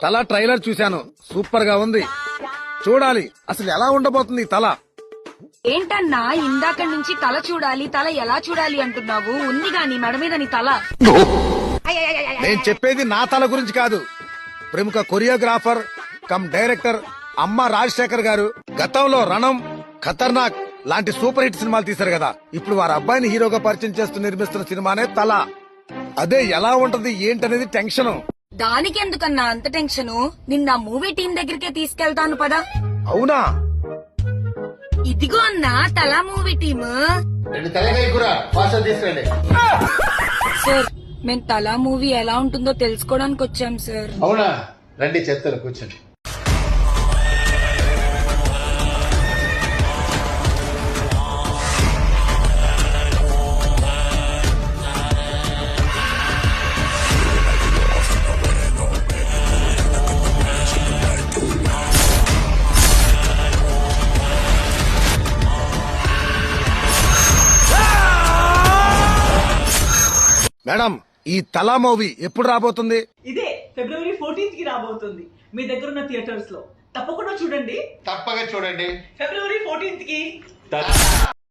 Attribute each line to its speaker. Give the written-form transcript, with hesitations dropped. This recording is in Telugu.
Speaker 1: తల ట్రైలర్ చూశాను, సూపర్ గా ఉంది. చూడాలి అసలు ఎలా ఉండబోతుంది ఈ తల.
Speaker 2: ఏంటన్నా ఇందాక నుంచి తల చూడాలి, తల ఎలా చూడాలి అంటున్నావు? ఉంది గాని మెడ మీద నీ తల.
Speaker 1: నేను చెప్పేది నా తల గురించి కాదు. ప్రముఖ కొరియోగ్రాఫర్ కమ్ డైరెక్టర్ అమ్మ రాజశేఖర్ గారు గతంలో రణం, ఖతర్నాక్ లాంటి సూపర్ హిట్ సినిమాలు తీశారు కదా. ఇప్పుడు వారి అబ్బాయిని హీరోగా పరిచయం చేస్తూ నిర్మిస్తున్న సినిమానే తల. అదే ఎలా ఉంటది ఏంటనేది టెన్షన్.
Speaker 2: దానికెందుకన్నా అంత టెన్షన్? నిన్న మూవీ టీం దగ్గరికే తీసుకెళ్తాను పదా.
Speaker 1: అవునా?
Speaker 2: ఇదిగో అన్నా తలా మూవీ టీమ్. సార్ మేము తలా మూవీ ఎలా ఉంటుందో తెలుసుకోవడానికి వచ్చాం సార్.
Speaker 3: అవునా, రండి చెప్తారు, కూర్చోండి.
Speaker 1: మేడం, ఈ తలా మూవీ ఎప్పుడు రాబోతుంది?
Speaker 4: ఇదే ఫిబ్రవరి 14th కి రాబోతుంది మీ దగ్గర ఉన్న థియేటర్స్ లో. తప్పకుండా చూడండి.
Speaker 3: తప్పగా చూడండి.
Speaker 4: ఫిబ్రవరి 14th కి